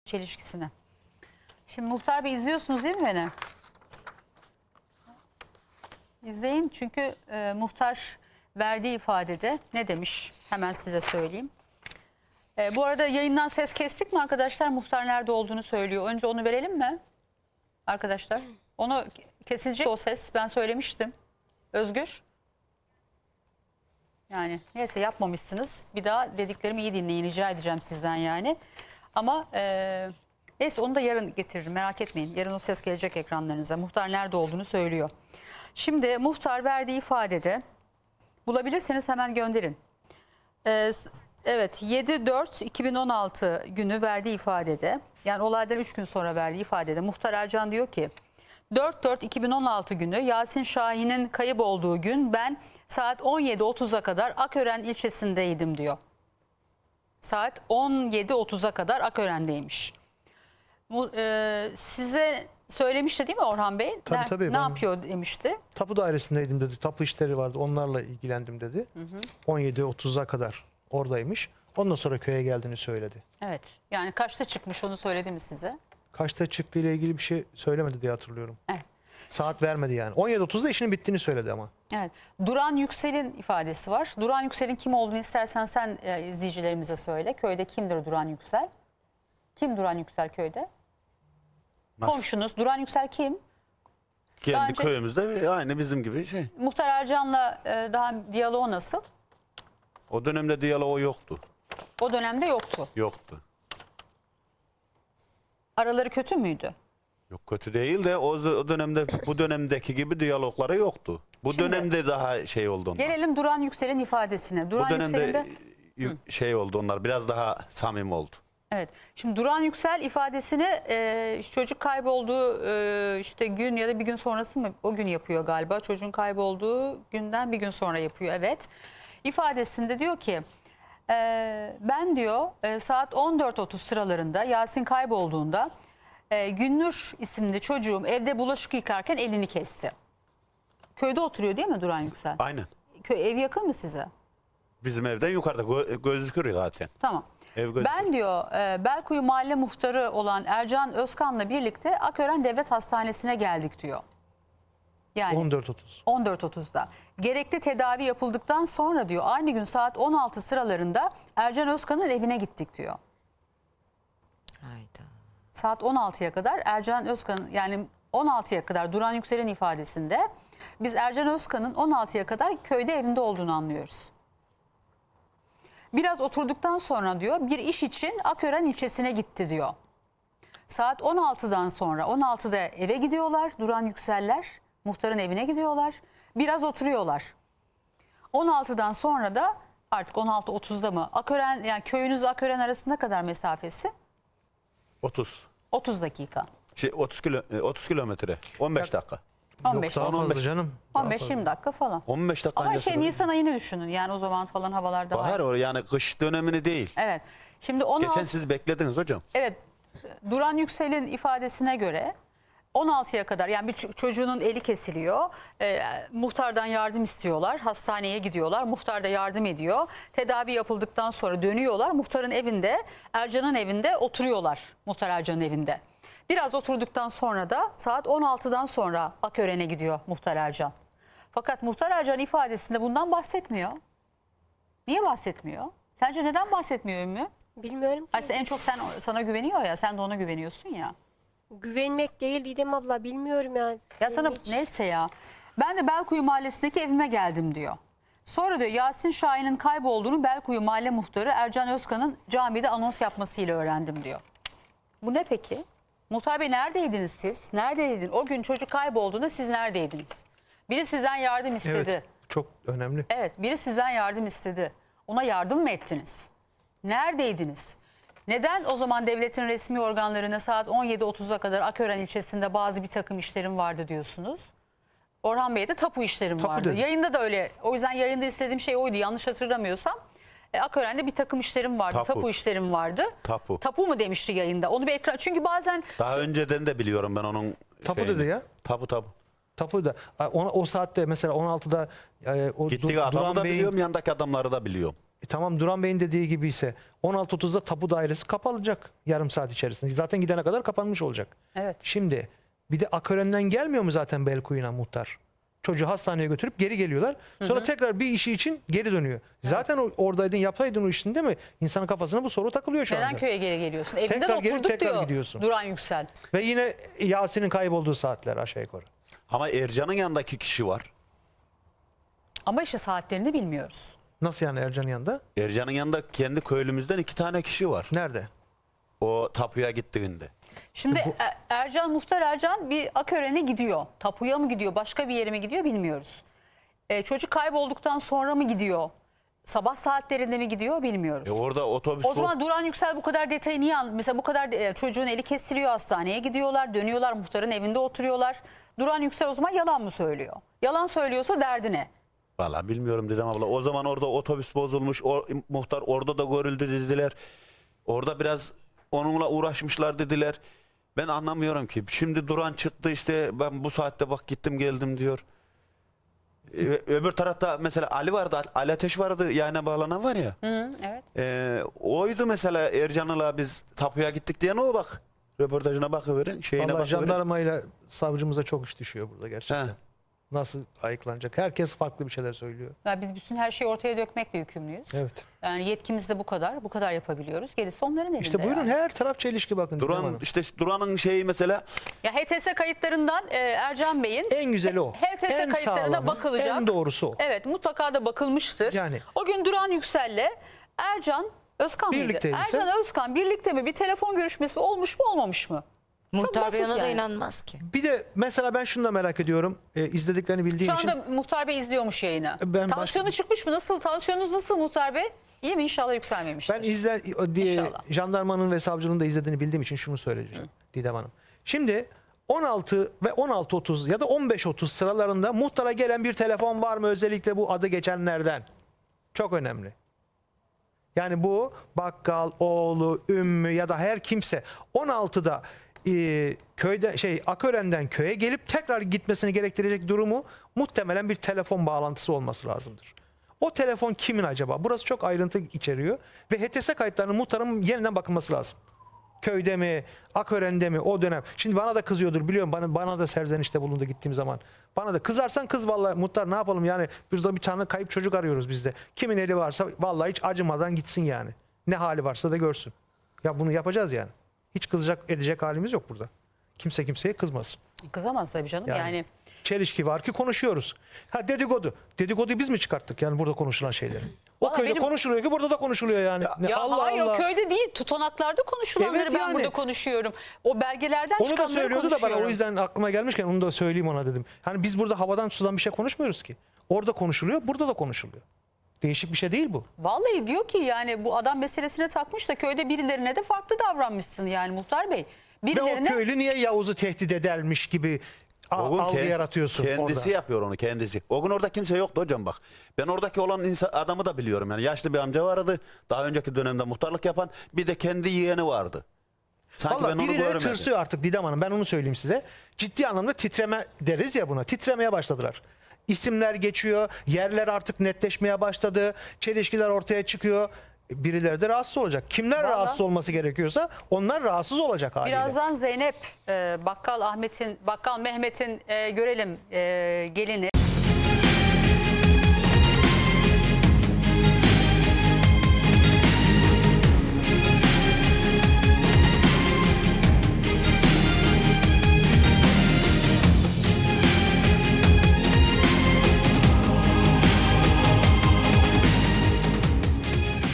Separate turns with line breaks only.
çelişkisini. Şimdi Muhtar Bey izliyorsunuz değil mi beni? İzleyin çünkü muhtar verdiği ifadede ne demiş? Hemen size söyleyeyim. Bu arada yayından ses kestik mi arkadaşlar? Muhtar nerede olduğunu söylüyor. Önce onu verelim mi? Arkadaşlar. Onu kesilecek o ses. Ben söylemiştim. Özgür. Yani neyse yapmamışsınız. Bir daha dediklerimi iyi dinleyin. Rica edeceğim sizden yani. Ama neyse onu da yarın getiririm. Merak etmeyin. Yarın o ses gelecek ekranlarınıza. Muhtar nerede olduğunu söylüyor. Şimdi muhtar verdiği ifadede bulabilirseniz hemen gönderin. Evet 7-4-2016 günü verdiği ifadede, yani olaydan 3 gün sonra verdiği ifadede Muhtar Ercan diyor ki 4-4-2016 günü Yasin Şahin'in kayıp olduğu gün ben saat 17.30'a kadar Akören ilçesindeydim diyor. Saat 17.30'a kadar Akören'deymiş. Size söylemişti değil mi Orhan Bey?
Tabii,
ne yapıyor demişti.
Tapu dairesindeydim dedi. Tapu işleri vardı. Onlarla ilgilendim dedi. 17.30'a kadar oradaymış. Ondan sonra köye geldiğini söyledi.
Evet. Yani kaçta çıkmış onu söyledi mi size?
Kaçta çıktığı ile ilgili bir şey söylemedi diye hatırlıyorum.
Evet.
Saat vermedi yani. 17.30'da işinin bittiğini söyledi ama.
Evet. Duran Yüksel'in ifadesi var. Duran Yüksel'in kim olduğunu istersen sen izleyicilerimize söyle. Köyde kimdir Duran Yüksel? Kim Duran Yüksel köyde?
Nasıl?
Komşunuz. Duran Yüksel kim?
Kendi
önce-
köyümüzde aynı bizim gibi şey.
Muhtar Ercan'la daha diyaloğu nasıl?
O dönemde diyaloğu yoktu.
O dönemde yoktu.
Yoktu.
Araları kötü müydü?
Yok kötü değil de o dönemde bu dönemdeki gibi diyalogları yoktu. Bu
Şimdi-
dönemde daha şey oldu onlar.
Gelelim Duran Yüksel'in ifadesine.
Bu
Duran Yüksel'in
dönemde
de...
şey oldu onlar biraz daha samimi oldu.
Evet. Şimdi Duran Yüksel ifadesini çocuk kaybolduğu işte gün ya da bir gün sonrası mı o gün yapıyor galiba. Çocuğun kaybolduğu günden bir gün sonra yapıyor. Evet. İfadesinde diyor ki ben diyor saat 14.30 sıralarında Yasin kaybolduğunda Günnur isimli çocuğum evde bulaşık yıkarken elini kesti. Köyde oturuyor değil mi Duran Yüksel?
Aynen.
Ev yakın mı size?
Bizim evden yukarıda gözüküyor zaten.
Tamam.
Ev gözüküyor.
Ben diyor Belkuyu Mahalle Muhtarı olan Ercan Özkan'la birlikte Akören Devlet Hastanesi'ne geldik diyor. Yani
14.30.
14.30'da. Gerekli tedavi yapıldıktan sonra diyor aynı gün saat 16 sıralarında Ercan Özkan'ın evine gittik diyor.
Hayda.
Saat 16'ya kadar Ercan Özkan'ın yani 16'ya kadar Duran Yüksel'in ifadesinde biz Ercan Özkan'ın 16'ya kadar köyde evinde olduğunu anlıyoruz. Biraz oturduktan sonra diyor bir iş için Akören ilçesine gitti diyor. Saat 16'dan sonra 16'da eve gidiyorlar Duran Yükseller. Muhtarın evine gidiyorlar. Biraz oturuyorlar. 16'dan sonra da artık 16.30'da mı? Akören yani köyünüz Akören arasında kadar mesafesi?
30.
30 dakika.
30 kilometre. 15 dakika.
15
Yok daha
dakika.
fazla canım.
15-20 dakika falan.
15 dakika
Ama
öncesi böyle.
Nisan ayını düşünün. Yani o zaman falan havalarda var.
Bahar o yani kış dönemini değil.
Evet. Şimdi 16
Geçen siz beklediniz hocam.
Evet. Duran Yüksel'in ifadesine göre 16'ya kadar yani bir çocuğunun eli kesiliyor. Muhtardan yardım istiyorlar. Hastaneye gidiyorlar. Muhtar da yardım ediyor. Tedavi yapıldıktan sonra dönüyorlar. Muhtarın evinde, Ercan'ın evinde oturuyorlar. Muhtar Ercan'ın evinde. Biraz oturduktan sonra da saat 16'dan sonra Akören'e gidiyor Muhtar Ercan. Fakat Muhtar Ercan ifadesinde bundan bahsetmiyor. Niye bahsetmiyor? Sence neden bahsetmiyor Ümmü?
Bilmiyorum ki.
Ay en çok sana güveniyor ya. Sen de ona güveniyorsun ya.
Güvenmek değil Didem abla, bilmiyorum yani.
Ya sana
Hiç-
neyse ya. Ben de Belkuyu Mahallesi'ndeki evime geldim diyor. Sonra diyor Yasin Şahin'in kaybolduğunu Belkuyu Mahalle Muhtarı Ercan Özkan'ın camide anons yapmasıyla öğrendim diyor. Bu ne peki? Muhtar Bey neredeydiniz siz? Neredeydiniz? O gün çocuk kaybolduğunda siz neredeydiniz? Biri sizden yardım istedi.
Evet. Çok önemli.
Evet, biri sizden yardım istedi. Ona yardım mı ettiniz? Neredeydiniz? Neden o zaman devletin resmi organlarına saat 17.30'a kadar Akören ilçesinde bazı bir takım işlerim vardı diyorsunuz? Orhan Bey'de tapu işlerim
Tapu
vardı.
dedi.
Yayında da öyle. O yüzden yayında istediğim şey oydu. Yanlış hatırlamıyorsam. Akören'de bir takım işlerim vardı.
Tapu.
Tapu işlerim vardı.
Tapu.
Tapu mu demişti yayında? Onu bir ekran. Çünkü bazen
Daha önceden de biliyorum ben onun
Tapu
şeyini.
dedi ya.
Tapu.
Tapu da o saatte mesela 16'da o
Gittiği adamı
Duran
da
Bey'in
biliyorum, yandaki adamları da biliyorum.
Tamam, Duran Bey'in dediği gibi ise 16.30'da tapu dairesi kapanacak yarım saat içerisinde. Zaten gidene kadar kapanmış olacak.
Evet.
Şimdi bir de Akören'den gelmiyor mu zaten Belkuyu'na muhtar? Çocuğu hastaneye götürüp geri geliyorlar. Sonra tekrar bir işi için geri dönüyor. Zaten oradaydın, yapsaydın o işini, değil mi? İnsanın kafasına bu soru takılıyor şu anda.
Neden köye geri geliyorsun? Evinden
Tekrar gelip
oturduk
tekrar
diyor
gidiyorsun.
Duran Yüksel.
Ve yine Yasin'in kaybolduğu saatler aşağı yukarı.
Ama Ercan'ın yanındaki kişi var.
Ama işte saatlerini bilmiyoruz.
Nasıl yani Ercan'ın yanında?
Ercan'ın yanında kendi köylümüzden 2 tane kişi var.
Nerede?
O tapuya gittiğinde.
Şimdi Muhtar Ercan bir Akören'e gidiyor. Tapuya mı gidiyor, başka bir yere mi gidiyor bilmiyoruz. Çocuk kaybolduktan sonra mı gidiyor? Sabah saatlerinde mi gidiyor bilmiyoruz.
Orada otobüs...
O zaman Duran Yüksel bu kadar detayı niye mesela bu kadar çocuğun eli kesiliyor, hastaneye gidiyorlar, dönüyorlar, muhtarın evinde oturuyorlar. Duran Yüksel o zaman yalan mı söylüyor? Yalan söylüyorsa derdi ne?
Valla bilmiyorum Didem abla. O zaman orada otobüs bozulmuş. Muhtar orada da görüldü dediler. Orada biraz onunla uğraşmışlar dediler. Ben anlamıyorum ki. Şimdi Duran çıktı işte, ben bu saatte bak gittim geldim diyor. Öbür tarafta mesela Ali vardı. Ali Ateş vardı, yayına bağlanan var ya.
Hı, evet.
Oydu mesela Ercan'la biz tapuya gittik diyen o bak. Röportajına bakıverin. Şeyine
Vallahi
bakıverin.
jandarmayla savcımıza çok iş düşüyor burada gerçekten.
He.
Nasıl ayıklanacak? Herkes farklı bir şeyler söylüyor.
Ya biz bütün her şeyi ortaya dökmekle yükümlüyüz.
Evet.
Yani yetkimiz de bu kadar. Bu kadar yapabiliyoruz. Gerisi onların elinde.
İşte buyurun,
yani.
her taraf çelişki bakın. Didem
Duran
Hanım.
işte Duran'ın şeyi mesela
Ya HTS kayıtlarından Ercan Bey'in
En güzeli o.
HTS
En
kayıtlarına
sağlamı,
bakılacak.
en doğrusu o.
Evet, mutlaka da bakılmıştır.
Yani.
O gün Duran Yüksel'le Ercan Özkan mıydı?
Birlikteydi.
Ercan Özkan birlikte mi? Bir telefon görüşmesi olmuş mu olmamış mı?
Muhtar
basit
Bey ona da
yani.
inanmaz ki.
Bir de mesela ben şunu da merak ediyorum. İzlediklerini bildiğim
Şu anda
için.
Muhtar Bey izliyormuş yayını.
Ben
Tansiyonu çıkmış mı? Nasıl? Tansiyonunuz nasıl Muhtar Bey? İyi mi? İnşallah yükselmemiştir.
Ben diye
İnşallah.
jandarmanın ve savcının da izlediğini bildiğim için şunu söyleyeceğim Didem Hanım. Şimdi 16 ve 16.30 ya da 15.30 sıralarında muhtara gelen bir telefon var mı, özellikle bu adı geçenlerden? Çok önemli. Yani bu bakkal, oğlu, ümmü ya da her kimse 16'da köyde Akören'den köye gelip tekrar gitmesini gerektirecek durumu muhtemelen bir telefon bağlantısı olması lazımdır. O telefon kimin acaba? Burası çok ayrıntı içeriyor ve HTS kayıtlarının muhtarın yeniden bakılması lazım. Köyde mi, Akören'de mi, o dönem. Şimdi bana da kızıyordur, biliyorum, bana da serzenişte bulundu gittiğim zaman. Bana da kızarsan kız, vallahi muhtar ne yapalım yani, burada bir tane kayıp çocuk arıyoruz biz de. Kimin eli varsa vallahi hiç acımadan gitsin yani. Ne hali varsa da görsün. Ya bunu yapacağız yani. Hiç kızacak edecek halimiz yok burada. Kimse kimseye kızmasın.
Kızamaz tabii canım. Yani
Çelişki var ki konuşuyoruz. Ha, dedikodu. Dedikoduyu biz mi çıkarttık yani burada konuşulan şeyleri? O
Vallahi
köyde
benim-
konuşuluyor ki burada da konuşuluyor yani.
ya
Allah
hayır,
Allah.
o köyde değil, tutanaklarda konuşulanları
Evet
ben
yani.
burada konuşuyorum. O belgelerden
Onu da
çıkanları
söylüyordu da bana,
konuşuyorum.
o yüzden aklıma gelmişken onu da söyleyeyim ona dedim. Hani biz burada havadan sudan bir şey konuşmuyoruz ki. Orada konuşuluyor, burada da konuşuluyor. Değişik bir şey değil bu.
Vallahi diyor ki yani bu adam meselesine takmış da köyde birilerine de farklı davranmışsın yani Muhtar Bey.
Ve o
Birilerine
köylü niye Yavuz'u tehdit edermiş gibi
O gün
algı yaratıyorsun
kendisi
orada.
yapıyor onu, kendisi. O gün orada kimse yoktu hocam bak. Ben oradaki olan adamı da biliyorum. Yani yaşlı bir amca vardı. Daha önceki dönemde muhtarlık yapan. Bir de kendi yeğeni vardı. Sanki
Valla
ben onu
birileri
görmedim.
tırsıyor artık Didem Hanım, ben onu söyleyeyim size. Ciddi anlamda titreme deriz ya buna. Titremeye başladılar. İsimler geçiyor, yerler artık netleşmeye başladı, çelişkiler ortaya çıkıyor. Birileri de rahatsız olacak. Kimler
Vallahi.
rahatsız olması gerekiyorsa onlar rahatsız olacak haliyle.
birazdan Zeynep Bakkal Mehmet'in görelim gelini.